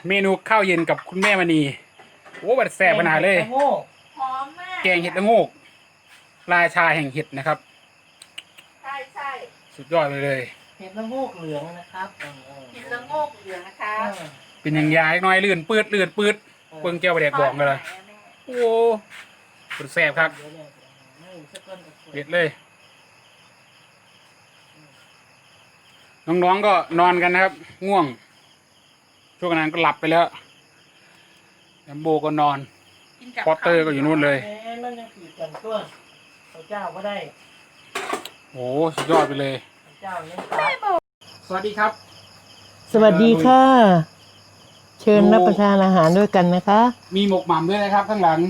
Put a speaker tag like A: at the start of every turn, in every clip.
A: เมนูข้าวเย็นกับคุณแม่มณีโอ้บัดแซ่บขนาดเลย
B: โง่
C: หอมมาก
A: แกงเห็ดละโงกราชาแห่งเห็ดนะครับ
C: ใช่ใช่
A: สุดยอดไปเลย
B: เห็ดละโงกเหลืองนะครับ
C: เห็ดละโงกเหลืองนะคะ
A: เป็นอย่างยายน้อยลื่นปืดเบิ่งเจ้าไปแดกบองกันเลยโอ้สุดแซ่บครับเด็ดเลย น้องๆก็นอนกันนะครับ ง่วง ช่วงนั้นก็หลับไปแล้วแอมโบก็นอน
C: กินกับ
A: พอตเตอร์ก็อยู่นู่นเลย
B: มันยังผีกันตัวเจ้าก็ได้
A: โอ้สุดยอดไปเลย
B: เจ้ายังตาย
A: สวัสดีครับ
B: สวัสดีค่ะ เชิญรับประทานอาหารด้วยกันนะคะ
A: มีหมกหม่ำด้วยนะครับ ข้างหลัง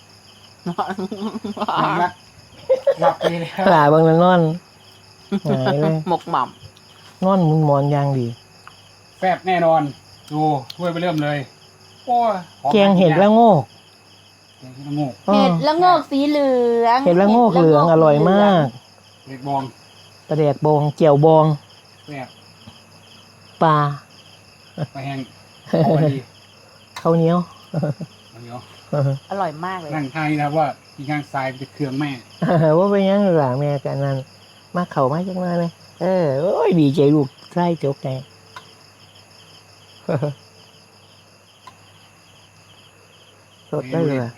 A: หลับไปแล้ว
B: ปลาบางละนอนหายเลย
C: หมกหม่
B: นอนมุนมอนยางดี
A: แซ่บแน่นอน ดูถ้วยไปเริ่มเลยโอ้ยหอม
B: แกงเห็ดละโงก
A: แกงเห็ดละโงก
C: ำเห็ดละโงกสีเหลือง
B: เห็ดละโงกเหลืองอร่อยมาก
A: เห็ดบอง
B: ปลาแดกบองเจียวบอง
A: แซ่บ
B: ปลา
A: ไปแห้งพอดี
B: ข้าวเหนียว
A: เดี๋ยว
C: อร่อยมากเลย
A: นั่งทางนี้นะครับว่าที่ข้างซ้ายเป็นเครื่องแม่
B: ว่าไปยังหลังแม่กันนั่นมาเข่ามาจังมาเลยโอ้ยดีใจลูกไส้จกแกสดได้เลยว่ะ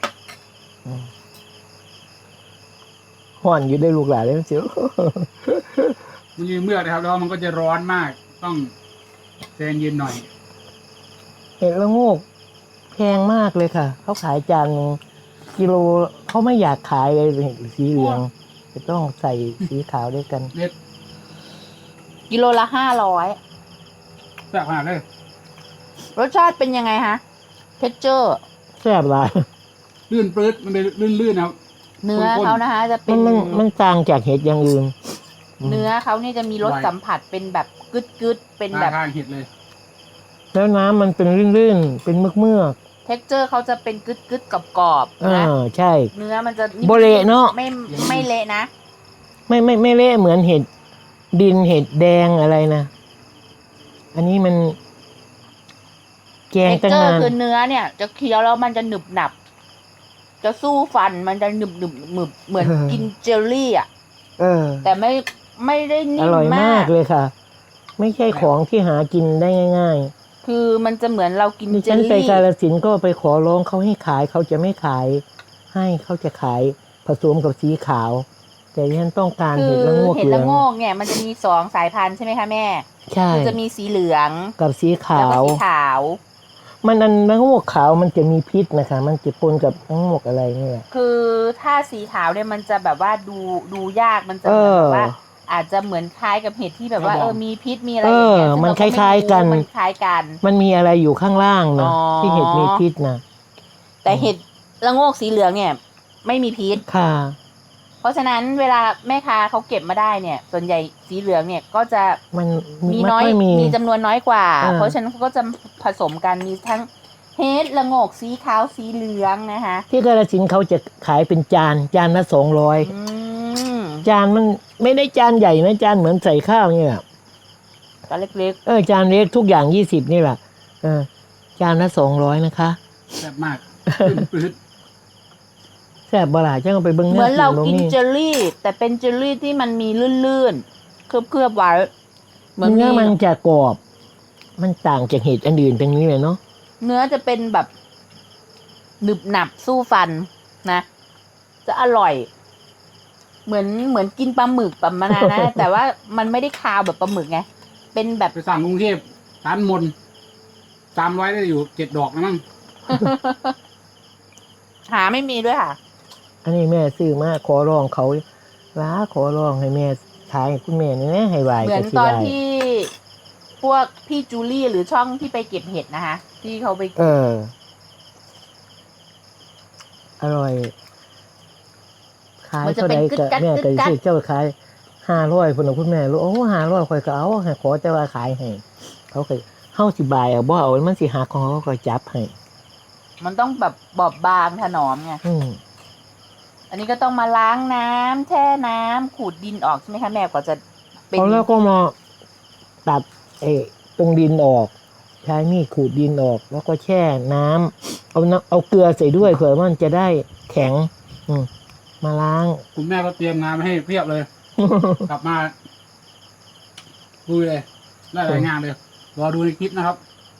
B: ห่อนอยู่ได้ลูกหลานเลยเสียว
A: มันยืนเมื่อกนะครับ แล้วมันก็จะร้อนมาก ต้องใจเย็นหน่อย
B: เห็ดละโงกแพงมากเลยค่ะ เขาขายจานหนึ่งกิโลเขาไม่อยากขายเลยเห็ดสีเหลืองจะต้องใส่สีขาวด้วยกัน
A: เน็ต
C: กิโลละ500
A: แซ่บขนาดเลย
C: รสชาติเป็นยังไงฮะเทคเจอร์
B: แซ่บหลาย
A: ลื่นปลื้ดมันเป็นลื่นๆนะครับ
C: เนื้อเขานะคะ จะเป็
B: มันต่างจากเห็ดอย่างอื่น
C: เนื้อเขานี่จะมีรสสัมผัสเป็นแบบกึดเป็น
A: ห
C: แบ
A: น้า
C: บ
A: ทางเห็ดเลย
B: แล้วน้ำมันเป็นลื่นๆเป็นเมือก
C: เทคเจอร์เขาจะเป็นกึดกรอบ
B: ๆ
C: ๆนะ
B: ใช่
C: เนื้อมันจะ
B: โบเละเนอะ
C: ไม่เละนะ
B: ไม่เละเหมือนเห็ดดินเห็ดแดงอะไรนะอันนี้มัน แกง
C: เทค
B: ตั้ง
C: เจอร์
B: นาน
C: คือเนื้อเนี่ย จะเคี้ยวแล้วมันจะหนึบหนับ จะสู้ฟันมันจะหนึบเหมือนกินเจลลี่อ่ะ แต่ไม่ได้นิ่
B: อ
C: ม
B: ร่อย
C: มาม
B: าก
C: ก
B: เลยค่ะ ไม่ใช่ของที่หากินได้ง่าย
C: คือมันจะเหมือนเรากิน
B: ๆดิ
C: เจ
B: ฉั
C: ล
B: นไป
C: ลี่
B: กาฬสินธุ์ก็ไปขอร้องเขาให้ขายเขาจะไม่ขาย ให้เขาจะขายผสมกับสีขาว แต่ดิฉันต้องการ
C: คื
B: เห็
C: อ
B: ดละโงก
C: เห็ด
B: เหลื
C: ละ
B: อง
C: โงกเนี่ยมันจะมี2 สายพันธุ์ใช่ไหมคะแม่
B: ใช่
C: คือจะมีสีเหลือง
B: กับสีขา
C: แล้วก็
B: ว
C: สีขาว
B: มันอันละโงกขาวมันจะมีพิษนะคะ มันจะปนกับละโงกอะไรนี่แหละ
C: คือถ้าสีขาวเนี่ยมันจะแบบว่าดูยากมันจะเหมือนแบบว่า อาจจะเหมือนคล้ายกับเห็ดที่แบบว่ามีพิษมีอะไรอย่างเงี้ยซึ่ง
B: มัน
C: เร
B: คล้ายๆกัน
C: มันคล้ายกัน
B: มันมีอะไรอยู่ข้างล่างนะ
C: อ๋อ
B: ที่เห็ดมีพิษนะ
C: แต่เห็ดละโงกสีเหลืองเนี่ย ไม่มีพิษ
B: ค่ะ
C: เพราะฉะนั้นเวลาแม่ค้าเขาเก็บมาได้เนี่ย ส่วนใหญ่สีเหลืองเนี่ยก็จะ
B: มัน
C: มีน้อย
B: ไค่
C: มีจำนวนน้อยกว่า
B: อ่า
C: เพราะฉะนั้นเขาก็จะผสมกันมีทั้งเห็ดละโงกสีขาวสีเหลืองนะคะ
B: ที่กาฬสินธุ์เขาจะขายเป็นจานละ200
C: อืม
B: จานมันไม่ได้จานใหญ่นะจานเหมือนใส่ข้าวเนี่ย
C: ตอนเล็ก
B: จานเล็กทุกอย่าง20นี่แหละจานละ200นะคะ
A: แซ่บมากลื่นปลื้ด
B: แซ่บบ่ล่ะจังเอาไปเบิ่ง
C: ๆ เหมือนเรากิน
B: นี่
C: เจลลี่ แต่เป็นเจลลี่ที่มันมีลื่นๆเคลือบไว้เหมือน
B: เนื้อ
C: มี
B: มันจะกรอบ มันต่างจากเห็ดอันอื่นตรงนี้เลยเนาะ
C: เนื้อจะเป็นแบบหนึบหนับสู้ฟันนะ จะอร่อย เหมือนกินปลาหมึกประมาณนั้นนะ แต่ว่ามันไม่ได้คาวแบบปลาหมึกไงเป็นแบบ
A: ไปสั่งกรุงเทพร้านมน300ได้อยู่7 ดอกนะมั้ง
C: หาไม่มีด้วยค่ะ
B: อันนี้แม่ซื้อมาขอร้องเขาขอร้องให้แม่ขายให้คุณแม่นี่นะให้ไหว
C: เหมือน
B: ก็สิ
C: ตอน
B: ได้
C: ที่พวกพี่จูลี่หรือช่องที่ไปเก็บเห็ดนะคะ ที่เขาไป
B: อร่อย ขาย
C: มันจะ
B: เท่า
C: เป็น
B: ใด
C: กึด
B: ก็
C: กัด
B: แม่
C: กึ
B: ก็
C: ดกัด
B: สิเจ้าขาย500พุ่นน่ะคุณแม่รู้โอ้500ข่อยก็เอาให้ขอแต่ว่าขายให้เขาก็เฮาสิบายเอาบ่เอามันสิหักของเขาก็จับให้
C: มันต้องแบบบอบบางถนอมไง
B: อืม
C: อันนี้ก็ต้องมาล้างน้ำแช่น้ำขูดดินออกใช่ไหมคะแม่กว่าจะเป็น
B: เอาแล้วก็มาตัดตรงดินออกใช้มีดขูดดินออก แล้วก็แช่น้ำเอาเกลือใส่ด้วยเผื่อมันจะได้แข็ง มาล้าง
A: คุณแม่ก็เตรียมงานมาให้เพียบเลย กลับมาดูเลยได้หลายงานเลยรอดูในคลิปนะครับ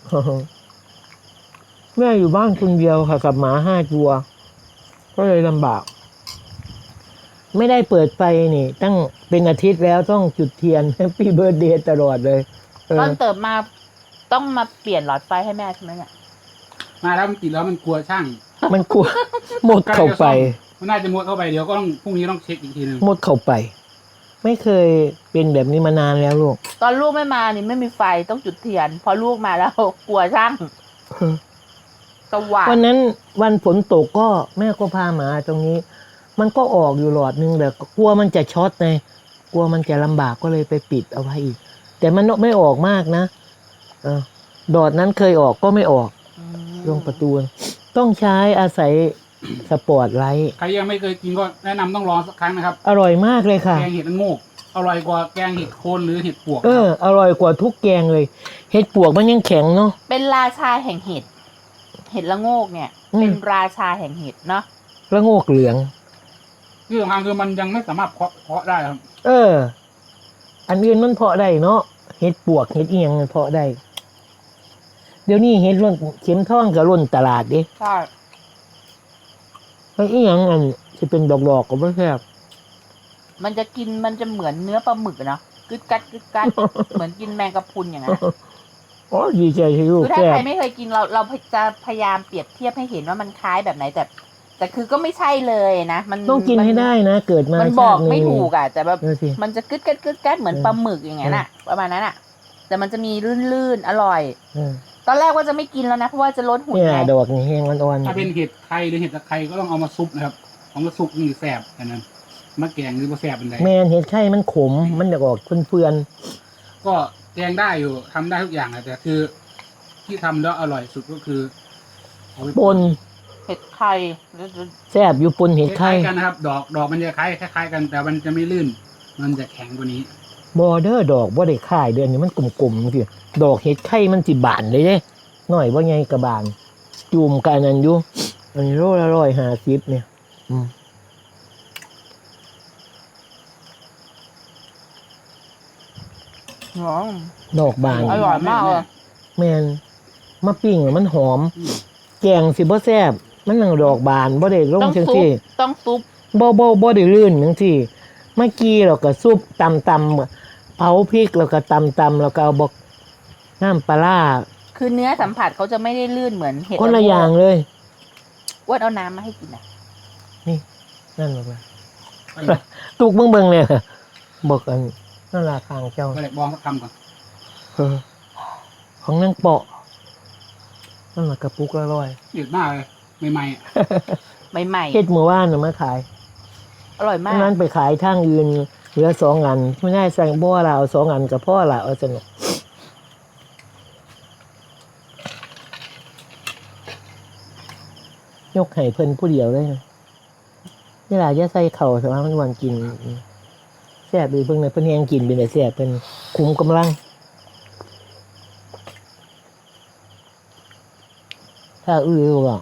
B: แม่อยู่บ้านคนเดียวค่ะกับหมา5 ตัว ก็เลยลำบาก ไม่ได้เปิดไฟนี่ ตั้งเป็นอาทิตย์แล้วต้องจุดเทียน แฮปปี้เบิร์ดเดย์ตลอดเลยเอ
C: ต
B: อ
C: อนเติบมาต้องมาเปลี่ยนหลอดไฟให้แม่ใช่ไหมเนี่ย
A: มาแล้วมันติดแล้วมันกลัวช่าง
B: มันกลัว หมดเข้าไป
A: มันน่าจะมุดเข้าไปเดี๋ยวก็ต้องพรุ่งนี้ต้องเช็คอีกทีหนึง
B: หมดเข้าไป ไม่เคยเป็นแบบนี้มานานแล้วลูก
C: ตอนลูกไม่มานี่ไม่มีไฟต้องจุดเทียน พอลูกมาแล้ว กลัวช่างสว่าง
B: วันนั้นวันฝนตกก็แม่ก็พาหมาตรงนี้ มันก็ออกอยู่หลอดนึงแต่กลัวมันจะช็อตไงกลัวมันจะลำบากก็เลยไปปิดเอาไว้อีก แต่มันไม่ออกมากนะดอดนั้นเคยออกก็ไม่ออก
C: อืม
B: ลงประตูต้องใช้อาศัยสปอร์ตไลท์
A: ใครยังไม่เคยกินก็แนะนำต้องลองสักครั้งนะครับ
B: อร่อยมากเลยค่ะ
A: แกงเห็ดละโงกอร่อยกว่าแกงเห็ดโคนหรือเห็ดปวก
B: อร่อยกว่าทุกแกงเลย เห็ดปวกมันยังแข็งเนาะ
C: เป็นราชาแห่งเห็ด เห็ดละโงกเนี่ย
B: อืม
C: เป็นราชาแห่งเห็ดเนาะ
B: แล้วโงกเหลือง
A: ที่สำคัญคือมันยังไม่สามารถเพาะได้ครับ
B: อันอื่นมันเพาะได้เนาะเห็ดปวกเห็ดเอียงมันเพาะได้ เดี๋ยวนี้เห็ดร่นเข็มทองกับร่นตลาดดิ
C: ใช่
B: ไอ้เอียงอันจะเป็นดอกๆก็ไม่แซ่บ
C: มันจะกินมันจะเหมือนเนื้อปลาหมึกอะเนาะกึดกัดกึดกัด เหมือนกินแมงกะพรุนอย่างนั้นอะ
B: อ๋อดีใจที่ลูก
C: คือถ้า
B: แซ่
C: ใคร
B: บ
C: ไม่เคยกินเราจะพยายามเปรียบเทียบให้เห็นว่ามันคล้ายแบบไหนแต่คือก็ไม่ใช่เลยนะมัน
B: ต้องกินให้ได้นะ เกิดมา
C: มันบอก
B: ชาตินี้
C: ไม่ถูกอะแต่แบบ
B: ดูสิ
C: มันจะกึดกัดกึดกัดเหมือนปลาหมึกอย่างนั้นอะประมาณนั้นอะแต่มันจะมีลื่นๆอร่อย
B: เออ
C: ตอนแรกว่าจะไม่กินแล้วนะเพราะว่าจะลดหุ่น
B: เนี่ย
C: ไง
B: ดอกนี่แห้งอ่อน
A: ถ้าเป็นเห็ดไข่หรือเห็ดตะไคร้ก็ต้องเอามาซุปนะครับเอามาซุปนี่แสบอันนั้นมะแกงหรือมะแสบเป็นไร
B: ๆแมนเห็ดไข่มันขม มันจะออกเฟื่อน
A: ก็แกงได้อยู่ทำได้ทุกอย่างนะแต่คือ ที่ทำแล้วอร่อยสุดก็คือเอาไป
B: ๆปน
C: เห็ดไข่หรือ
B: แซ่บอยู่ปนเห็ด
A: คล้า
B: ไข่
A: ยๆกันนะครับ ดอกมันจะคล้ายๆกัน แต่มันจะไม่ลื่น มันจะแข็งกว่านี้
B: บอเดอร์ดอกบ่ได้ข่ายเดือนนี้มันกลมๆสิดอกเห็ดไข่มันสิบานเลยเด้หน่อยว่าไงกระบาน จุ่มกันนั่นอยู่อันนี้โลละ150เนี่ย
C: อ๋อ
B: ดอกบาน
C: อร่อยมากเลย
B: แมนมะปิ้งอะมันหอม
A: อืม
B: แกงสิบ่แซ่บมันนั่งดอกบานบ่ได้ลง
C: ต้อง
B: จัง
C: ซุป
B: ซี่
C: ต้องซุป
B: บ่ได้ลื่นจังซี่เมื่อกี้เราก็ซุปตำเผาพริกแล้วก็ตำแล้วก็เอาบอกน้ำปลาร้า
C: คือเนื้อสัมผัสเขาจะไม่ได้ลื่นเหมือนเห็ด
B: คนละ
C: โงก
B: อย่างเลย
C: อ้วนเอาน้ำมาให้กินอ่ะ
B: นั่นบอกว่าตุกเบิ่งเลยบอกกันนั่นล่ะทางเจ้า
A: ก็เลยบองสักคำก่อน
B: เออของนางเปาะนั่นล่ะกระปุกละร้อย
A: เดือดมากเลยใหม่ๆอะ
C: ใหม่
B: เฮ็ดเมื่อวานน่ะมาขาย
C: ๆอร่อยมา
B: อัน
C: ก
B: นั้นไปขายทางอื่นเหลือ2 อันไม่ได้สั่งบ่ว่าเราเอา2 อันกับพ่อละเอาสนุกยกให้เพิ่นผู้เดียวเลยนะนี่ล่ะจะใส่เข่าแต่ว่ามันวันกินแซ่บดีเพิ่งในเพิ่นแฮงกินเป็นแต่แซ่บเพิ่นคุมกำลัง ถ้าอื้อบอก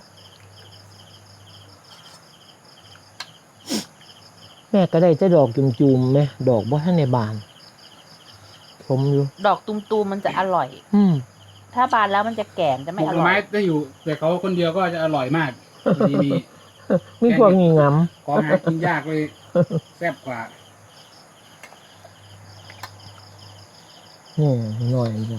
B: แม่ก็ได้จะดอกจุ่มๆไหมดอกบ่ทันในบานผมอยู่
C: ดอกตุมๆมันจะอร่อย ถ้าบานแล้วมันจะแก่มจะ
A: ป
C: ไม่
A: ลูก
C: อ
A: หน่อ
C: ร่อ
A: ไม้
C: ย
A: ได้อยู่ แต่เขาคนเดียวก็จะอร่อยมากดีมี
B: มีพวกนี้ง
A: ของหากินยากเลยแซ่บกว่า
B: ำนี่หน่อยเดียว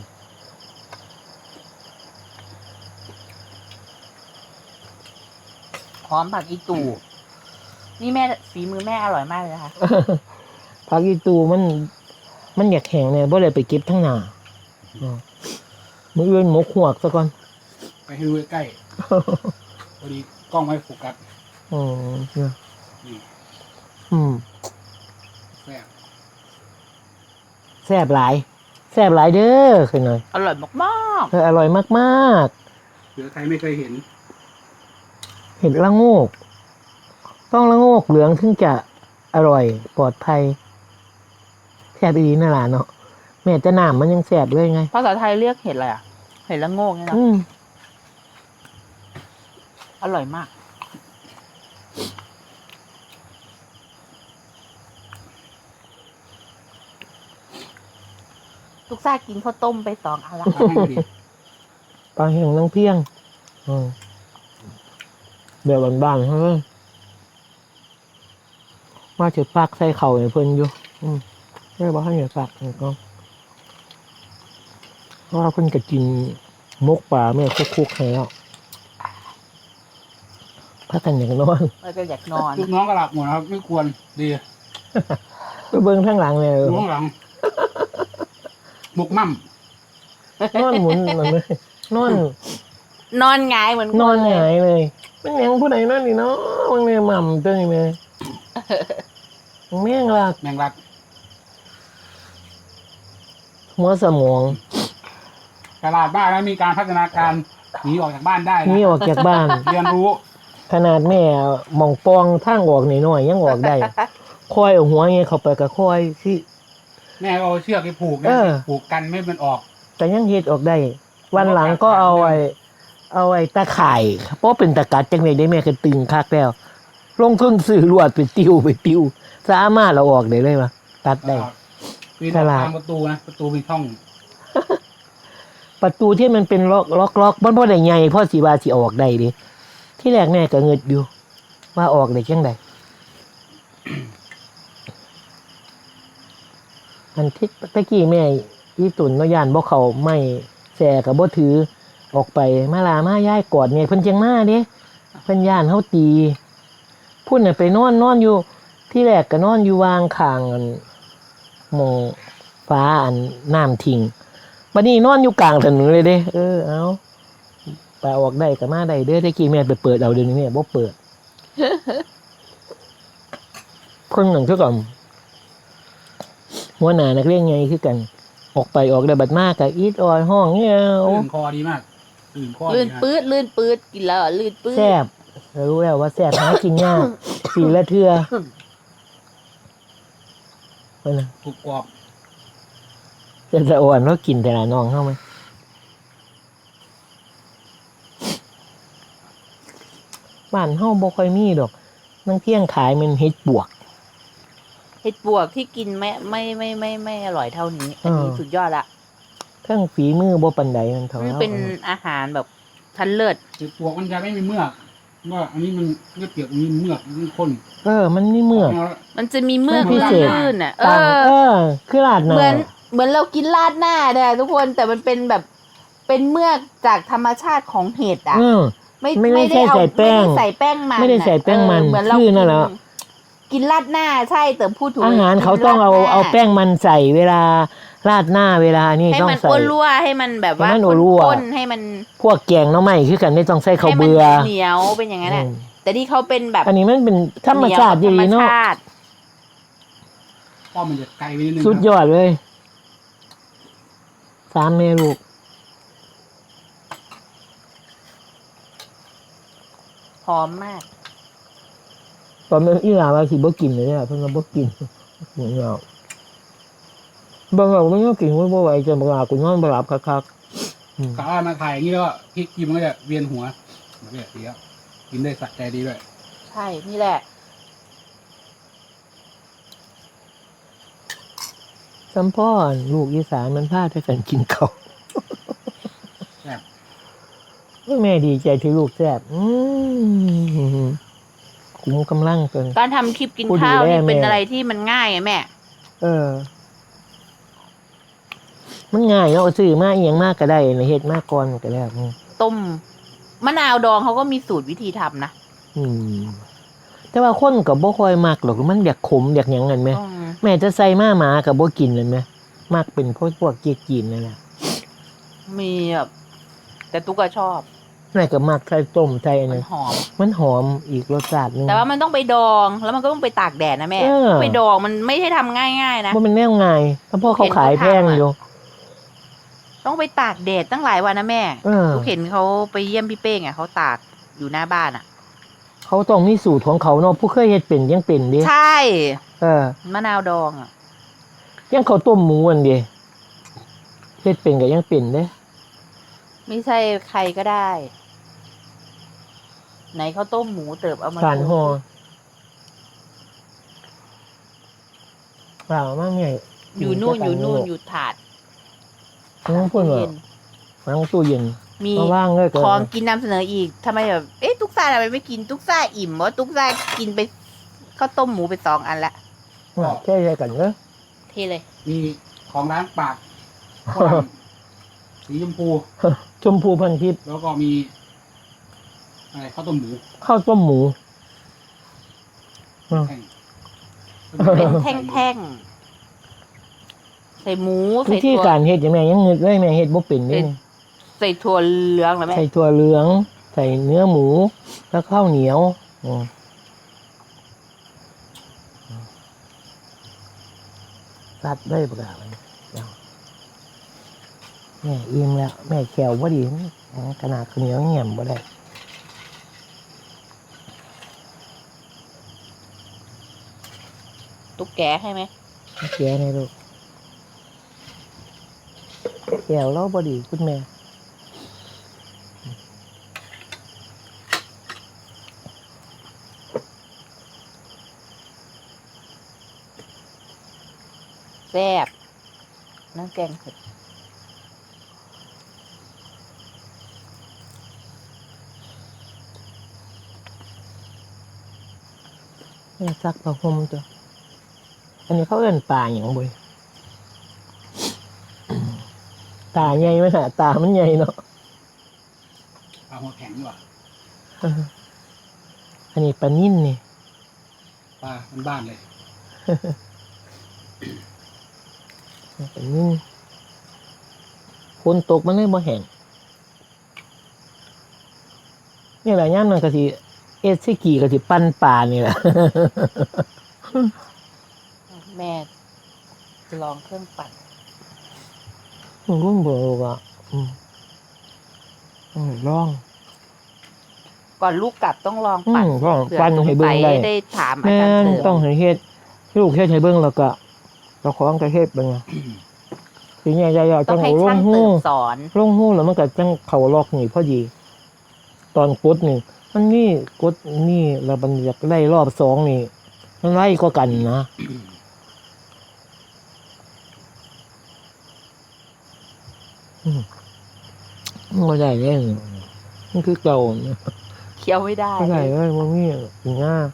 C: หอมผักอีตู่นี่แม่ฝีมือแม่อร่อยมากเลยนะคะ
B: ผักอีตูมันอยากแข็งเนี่ยบ่เลยไปเก็บทั้งหน้ามื้ออื่นหมกหวกซะก่อน
A: ไปให้ดูใกล้ๆพอดีกล้องไม่โฟกัส
B: เนี่ย
A: นี่ แซ่บ
B: แซ่บหลายแซ่บหลายเด้อคือหน่อย
C: อร่อยมาก
B: อร่อยมาก
A: หรือใครไม่เคยเห็น
B: ๆเห็ดละโงก ต้องละโงกเหลืองถึงจะอร่อยปลอดภัยแซ่บดีนั่นล่ะเนาะแม่จะน้ำมันยังแซ่บเลยไง
C: ๆภาษาไทยเรียกเห็ดอะไรอ่ะ เห็ดผ็ดละโงกเนี่ยเนาะ
B: อืม
C: อร่อยมาก ลูกซ่ากินข้าวต้มไป2 อันละ
A: ให้ดี
B: ปลาเห็งน้ำเพียงเดี๋ยวบ้านๆเฮ้ยมาเฉดปากใส่เข่าให้เพิ่นอยู่ใช่ป่ะให้เหนียวปากนี่ก็เพราะว่าเพิ่นก็กินมกปลาแม่คุกๆให้แล้วพักกันอย่างนอน
C: เราจะอยากนอน
A: ลูกน้องก็หลับหมดนะครับไม่ควรดี
B: ไปเบิ่งข้างหลังเลย
A: ดูข้างหลังบุกมั่ม
B: นอนหมุนมันเลยนอน
C: นอนหงายเหมือน
B: นอน
C: ค
B: หงายเลยมันยังผู้ใดนอนนี่เนาะมันเนี่ยหม่ำตัวนี้แม่แม่งลัก
A: แมงลัก
B: หัวสมอง
A: ตลาดบ้านแล้วมีการพัฒนาการหนีออกจากบ้านได้
B: หนี่
A: นะ
B: ออกจากบ้าน
A: เรียนรู้
B: ขนาดแม่หมองปองทางออกหน่อยๆยังออกได้คอยเอาหัวเงี้ยเข้าไปกับคอยที่
A: แม่ก็เอาเชือกไปผูก
B: เอ
A: นะ
B: อ
A: ผูกกันไม่ให้มันออก
B: แต่ยังเฮ็ดออกได้ วันหลังก็เอาไอ้ตะข่ายเพราะเป็นตะกัดจังเลยได้แม่ก็ตึงคักแล้วลงทุนซื้อลวดไปติวสามารถเราออกได้เลยปะตัดได้
A: ปีน
B: ฉ
A: ออก
B: ลาด
A: ทางประตูนะประตูมีช่อง
B: ประตูที่มันเป็นล็อกมันบ่ได้ใหญ่เพราะสิว่าสิออกได้ดิที่แรกแม่ก็เงิดอยู่ ว่าออกได้จังไดอันที่ตะกี้แม่อีตุ่นเนาะย่านบ่เข้าไม่แส่ก็บ่ถือออกไปมาลามาย้ายกอดแม่เพิ่นจังมาเด้เพิ่นย่านเฮาตีพุ่นน่ะไปนอนอยู่ ที่แรกก็นอนอยู่วางข้างอันหมองฟ้าอันน้ำทิ้งบัดนี้นอนอยู่กลางถนนเลยเด้เอาไปออกได้ก็มาได้เด้อตะกี้แม่ไปเปิดเอาเดี๋ยวนี้แม่บ่เปิด เพิ่นนั่นคือกันหัวหน้านักเรียนไงคือกัน ออกไปออกได้บัดมากก็อีดออยห้องเงี้ย
A: ลื่นคอดีมากลื่นคอ
C: ลื่น
A: ดีนะ
C: ปื๊ดกินแล้วลื่นปื๊ด
B: แซ่บรู้แล้วว่าแซ่บหากินยากสีละเทื่อเพิ่นน่ะ
A: ถูกกรอบ
B: จะสะอ่อนแล้วกินแต่ละน้องเข้าไหมบ้านเฮาบ่ค่อยมีดอกนังเที่ยงขายมันเฮ็ดบวก
C: เห็ดบวกที่กินไม่อร่อยเท่านี้ อันนี้
B: อ่า
C: สุดยอดละ
B: เครื่องฝีมือบ่ปานใดมันเท่า
C: มัน
B: เรา
C: เป็นอาหารแบบชั้นเลิศ
A: คือปวกมันจะไม่มีเมือกว่าอันนี้มันเลือดเปียกมีเมือกมันข้น
B: มันนี่เมือก
C: มันจะมีเมือก
B: มันพิเศษ
C: ลื่นๆอ่ะ
B: ต่างคือราดหน้า
C: เหมือนเรากินราดหน้าเนี่ยทุกคนแต่มันเป็นแบบเป็นเมือกจากธรรมชาติของเห็ดอ่ะ
B: ไม่ได้ใส่แป้ง
C: ไม่ได้ใส่แป้งมัน
B: ไม่ได้ใส่แป้งมัน
C: เหมือนเรา
B: ชื่อนั่นแหละ
C: กินราดหน้าใช่แต่พูดถูก
B: อาหารเขาต้องเอาแป้งมันใส่เวลาราดหน้าเวลานี่
C: ให้
B: ต้อง
C: มัน
B: ใส่
C: อ้วนรั่วให้มันแบบว่า
B: ให้มันรั่ว
C: ข้นๆให้มัน
B: พวกแกงหน้ำไม้คือกันไม่ต้องใส่ข้าว
C: ให้มัน
B: เบื่อ
C: เหนียวเป็นอย่างนั้นแหละ
B: อืม
C: แต่ที่เขาเป็นแบบ
B: อันนี้มันเป็นธรรมชาติ
C: เหนี
B: ดี
C: ยว
B: เนาะ
C: ธรรมชาติ
A: ป้อมมันจะไกลไปนิดนึง
B: สุดยอดเลย3 แม่ลูก
C: หอมมาก
B: ตอนนั้นอีหลาว่าสิบ่กินเลยเนี่ยเพิ่นก็บ่กินเหมือนเราบางเราไม่ต้องกินบ่ไหวจะบ่หลับกูนอนบ่หลับคัก
A: กะว่ามาถ่ายอย่างนี้แล้วก็พริกกินมันก็จะเวียนหัวมันก็จะเสียกินได้สะใจดีด้วย
C: ใช่นี่แหละ
B: ๆสัมพ่อลูกอีสานมันพาแต่กันกินข้าว
A: แซ่บ
B: แม่ดีใจที่ลูกแซ่บคุ้มกำลังเกิน
C: การทำคลิปกิน
B: พูด
C: ข้าว
B: ดูแล
C: นี่เป็น
B: แม่
C: อะไรที่มันง่ายไงแม่
B: มันง่ายเนาะซื้อมาอีหยังมากก็ได้เฮ็ดมากก่อนก็แล้ว
C: ต้มมะนาวดองเขาก็มีสูตรวิธีทำนะ
B: แต่ว่าคนก็บ่ค่อยมักหรอกมันอยากขมอยากหยังกันไหม
C: อืม
B: แม่จะใส่มาหมาก็บ่กินเลยไหมมักเป็นพวกเกี๊ยจีนนั่นแหละ
C: มีแบบแต่ตุ๊กก็ชอบ
B: แม่ก็มักใส่ต้มใส่อัน
C: มั
B: นั้น น
C: หอม
B: มันหอมอีกรสชาติหนึง
C: แต่ว่ามันต้องไปดองแล้วมันก็ต้องไปตากแดดนะแม่
B: เออ
C: ไปดองมันไม่ใช่ทำง่ายๆนะ
B: บ่เป็นแนวง่ายเพราะพ่อเขาขายแพงอยู่
C: ต้องไปตากแดดตั้งหลายวันนะแม่
B: เออ
C: ลูกเห็นเขาไปเยี่ยมพี่เป้งอ่ะเขาตากอยู่หน้าบ้านอ่ะ
B: เขาต้องมีสูตรของเขาเนาะผู้เคยเฮ็ดเป็นยังเป็นเด้
C: ใช่
B: ม
C: ะนาวดองอ่ะ
B: ยังเขาวต้มหมูอันเดีเฮ็ดเป็นก็ยังเป็นเด้
C: ไม่ใช่ใครก็ได้ ไหนข้าวต้มหมูเติบเอามา
B: การ
C: โช
B: ห่อ
C: ว์
B: เปล่ามั่งเนี่ย
C: อยู่นู่นอยู่ถาด
B: น้องพูดว่า
C: เย็น
B: น้องตู้เย็น
C: มี
B: มาว่างเลยเกิน
C: ของกินนำเสนออีกทำไมแบบเอ๊ะตุ๊กซ่าทำไมไม่กินตุ๊กซ่าอิ่มวะตุ๊กซ่ากินไปข้าวต้มหมูไป2 อันละ
B: แค่ใช่กันเนอะ
C: เทเลย
A: มีของร้านปากฝรั่งสีชมพู
B: ชมพูพันทิพย์
A: แล้วก็มีอะไรข้าวต้มหมู
B: ข้าวต้มหมูอ่ะ
A: แห้ง
C: เป็นแท่งๆใส่หมู
B: วิ
C: ใส่
B: ธี
C: ถั่ว
B: การเฮ็ดยังไงยังเงิดเลยแม่เฮ็ดบ่เป็นนี่
C: ใส่ถั่วเหลืองเหรอแม่
B: ใส่ถั่วเหลือง ใส่เนื้อหมู แล้วข้าวเหนียวซัดได้ประกาศเลยแม่อิ่มแล้ว แม่แขวบ่ดีขนาดข้าวเหนียวเงี่ยมบ่ได้
C: ตุ๊กแกให้ไหม
B: แกในลูกแขวเราบ่ดีคุณแม่
C: แซ่บน้ำแกงเผ็ด
B: แม่ซักผ้าห่มจ้ะอันนี้เขาเอิ้นปลาอย่างบ่ยตาใหญ่ไหมฮะตามันใหญ่เนาะ
A: ปลาหัวแข็งดีกว่า
B: อันนี้ปลานิ่นนี่
A: ปลาบ้านๆเลย
B: ปลานิ่นฝนตกมันเลยบ่แห้งนี่แหละย่ามนั้นก็สิเอสซิกิก็สิปั้นปลานี่แหละ
C: แม่จะลองเครื่องปั่น
B: รุ่นเบอร์อ่ะลอง
C: ก่อนลูกกลับต้องลองปั่น
B: ก็
C: เผื่อ
B: ปั้น
C: สง
B: ให้เบิ่
C: สั
B: ง
C: ย
B: ได้
C: ได้ถามอา
B: แม่
C: จารย์
B: น
C: เสริม
B: ต้องให้เฮ็ดลูกเฮ็ดให้เบิ่งแล้วก็เจ้าของก็เฮ็ดเบิ่งสิใหญ่ๆ
C: ต้
B: จั
C: อง
B: ง
C: ให้
B: เอาล
C: ช่าง ง
B: หู
C: เติมสอน
B: ลงหูแล้วมันก็จังเข้าล็อกนี่พอดี ตอนกดนี่ มันนี่กดนี่แล้วมันอยากไล่รอบ2นี่มันไล่ก็กันนะมันบ่ได้เลยมันคือเก่านะ
C: เคี้ยวไม่ได้
B: บ่ได้เลยบ่มีสิงา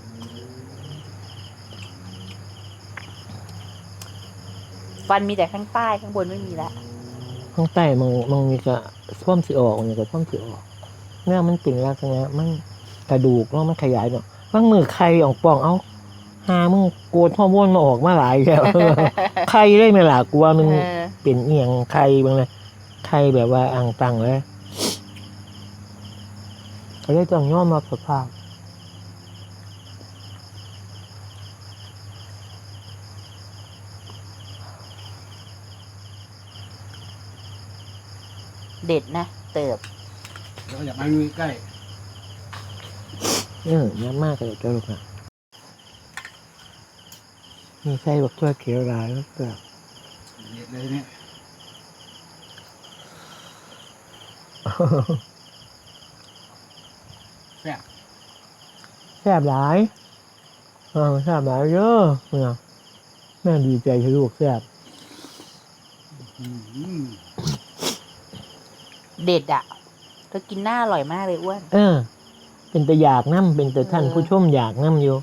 C: ฟันมีแต่ข้างใต้ข้างบนไม่มีละ
B: ข้างใต้มันมีก็ท่วมสิออกนี่ก็ท่วมสิออกเนี่ยมันเป็นลักษณะมันกระดูกแล้วมันขยายเนาะบางมือไข่ออกป่องเอ้าหามึงโกดฮอร์โมนมาออกมาหลายแล้ว ไข่ได้ไหมล่ะกลัวมัน
C: เออ
B: เป็นเอียงไข่บางเลยไข่แบบว่าอ่างตังเลยเขาเลยต้องยอมรับสภาพ
C: เด็ดนะเติบ
A: แล้วก็อยากมาอยู่ใกล้
B: เยอะมากเลยเจ้าลูกนะมีไส้บักทั่วเขียวหลายแล้วก็
A: เด็ดเลยเนี่ยแซ่บ
B: แซ่บหลายแซ่บหลายเยอะเนี่ยแม่ดีใจที่ลูกแซ่บ
A: อืม
C: เด็ดอ่ะเธอกินหน้าอร่อยมากเลยอ้วน
B: เป็นแต่อยากน้ำเป็นแต่ท่านผู้ชมอยากน้ำอยู่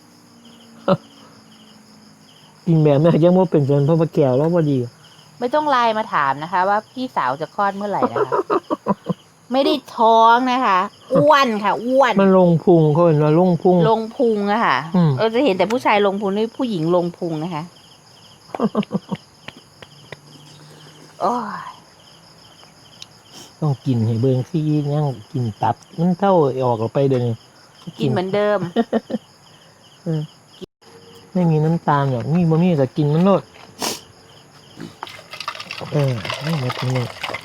B: กินแบบแม่ยังว่าเป็นจนพ่อพระแก้วแล้วพอดี
C: ไม่ต้องไลน์มาถามนะคะ ว่าพี่สาวจะคลอดเมื่อไหร่นะคะ ไม่ได้ท้องนะคะ อ้วนค่ะ อ้วน
B: มันลงพุงเขาเห็นว่าลงพุง
C: ลงพุงอะค่ะ
B: อืม
C: เราจะเห็นแต่ผู้ชายลงพุงนี่ผู้หญิงลงพุงนะคะ โอ้ย
B: ต้องกินให้เบิ่งซี่ยังกินตับมันเท่าออกออกไปเดี๋ยวนี้
C: กินเหมือนเดิม
B: ไม่มีน้ำตาลหรอกมีบ่มีก็กินมันโลดไม่หมดนี่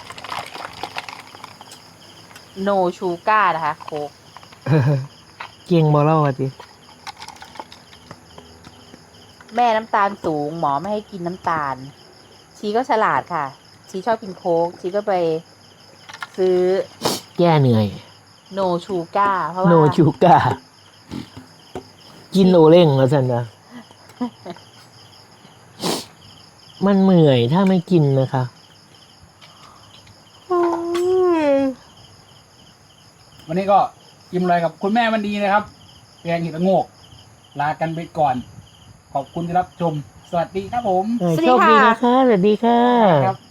C: โนชูก้านะคะ โคก
B: เก่งบ่เล่าว่าติ
C: แม่น้ำตาลสูง หมอไม่ให้กินน้ำตาล ชีก็ฉลาดค่ะ ชีชอบกินโค้กชีก็ไปซื้อ
B: แก้เหนื่อย
C: โนชูก้าเพราะว่า
B: โนชูกากินโอเล่งแล้วสันนะมันเหนื่อยถ้าไม่กินนะคะ
A: วันนี้ก็อิ่มเลยกับคุณแม่วันดีนะครับแกงเห็ดละโงก ลากันไปก่อน ขอบคุณที่รับชม สวัสดีครับผม
B: โชคดีนะคะ สวัสดีค่ะ
A: ครับ